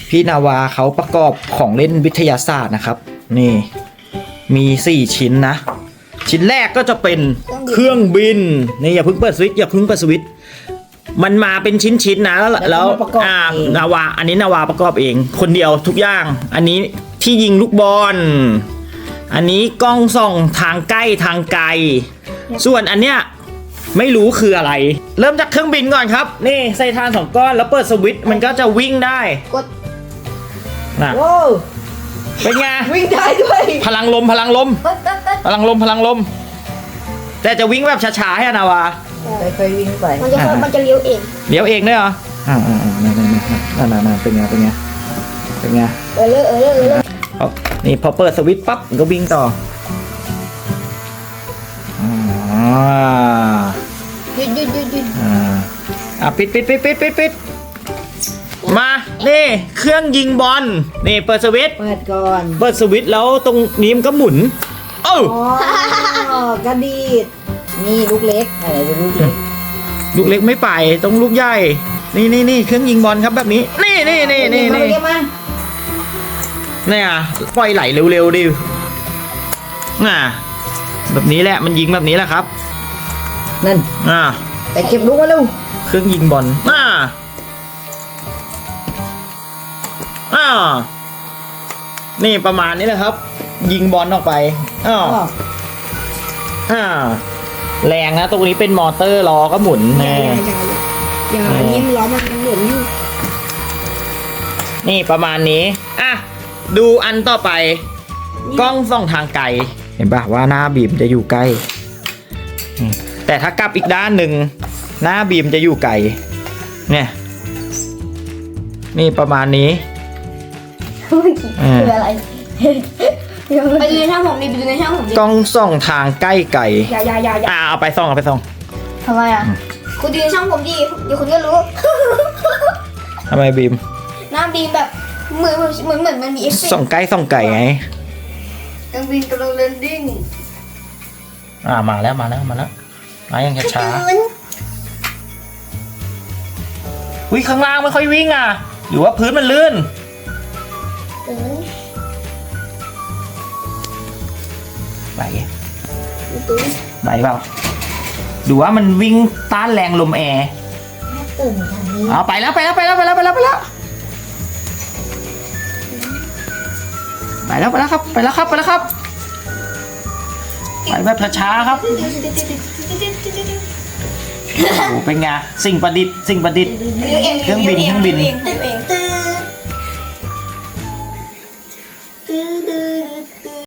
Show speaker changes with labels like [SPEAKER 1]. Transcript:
[SPEAKER 1] พี่นาวาเขาประกอบของเล่นวิทยาศาสตร์นะครับนี่มี4ชิ้นนะชิ้นแรกก็จะเป็นเครื่องบินนี่อย่าเพิ่งเปิดสวิตช์อย่าเพิ่งเปิดสวิตช์มันมาเป็นชิ้นๆนะแล้วนาวาอันนี้นาวาประกอบเองคนเดียวทุกอย่างอันนี้ที่ยิงลูกบอลอันนี้กล้องส่องทางใกล้ทางไกลส่วนอันเนี้ยไม่รู้คืออะไรเริ่มจากเครื่องบินก่อนครับนี่ใส่ถ่าน2 ก้อนแล้วเปิดสวิตช์มันก็จะวิ่งได้
[SPEAKER 2] กด
[SPEAKER 1] นะ
[SPEAKER 2] โอ้
[SPEAKER 1] เป็นไง
[SPEAKER 2] วิ่งได้ด้วย
[SPEAKER 1] พลังลมแต่จะวิ่งแบบช้าๆให้นาวา
[SPEAKER 2] ค่อยๆวิ่งไป
[SPEAKER 3] มันจะเลี้ยวเอง
[SPEAKER 1] เดี๋ยวเองด้วยเหรอนั่นเป็นไงนี่พอเปิดสวิตช์ปั๊บมันก็วิ่งต่อ
[SPEAKER 3] หยุด
[SPEAKER 1] ปิดมานี่เครื่องยิงบอลนี่เปิดสวิตช์
[SPEAKER 2] เปิดก่อน
[SPEAKER 1] เปิดสวิตช์แล้วตรงนี้มันก็หมุน
[SPEAKER 2] อ๋อกระดีดนี่ลูกเล็กอะไรเป็นลูกเล็ก
[SPEAKER 1] ลูกเล็กไม่ไปต้องลูกใหญ่นี่เครื่องยิงบอลครับแบบนี้นี่เนี่ยปล่อยไหลเร็วๆดิแบบนี้แหละมันยิงแบบนี้แหละครับ
[SPEAKER 2] นั่นแต่เก็บลูกมาเร็ว
[SPEAKER 1] เครื่องยิงบอลนี่ประมาณนี้แหละครับยิงบอลออกไปแรงนะตรงนี้เป็นมอเตอร์ล้อก็หมุนแน่
[SPEAKER 3] อย่านิ่มล้อมันหมุนอยู่
[SPEAKER 1] นี่ประมาณนี้ดูอันต่อไปกล้องส่องทางไกลเห็นป่ะว่าหน้าบีมจะอยู่ใกล้แต่ถ้ากลับอีกด้านหนึ่งหน้าบีมจะอยู่ไกลเนี่ยนี่ประมาณนี้
[SPEAKER 3] คืออะไรไปดูในช่างผมดิไปดูในช่างผมดิ
[SPEAKER 1] กล้องส่องทางใกล้ไกล
[SPEAKER 3] อย่า
[SPEAKER 1] เอาไปส่อง
[SPEAKER 3] ทำไมคุณดูในช่างผมดิเดี๋ยวคุณก็รู้
[SPEAKER 1] ทำไมบีม
[SPEAKER 3] หน้าบีมแบบเหมือนมันมีเอฟเฟกต์
[SPEAKER 1] ส่องใกล้ไง
[SPEAKER 3] เครื่องบินกำลังแลนดิ้ง
[SPEAKER 1] มาแล้วมายังช้าวิ่งข้างล่างไม่ค่อยวิ่งหรือว่าพื้นมันลื่นไหวเปล่าดูว่ามันวิ่งต้านแรงลมแอร์ไปแล้วไปแล้วครับไปแบบช้าๆครับโอ้เป็นไงสิ่งประดิษฐ์เครื่องบิน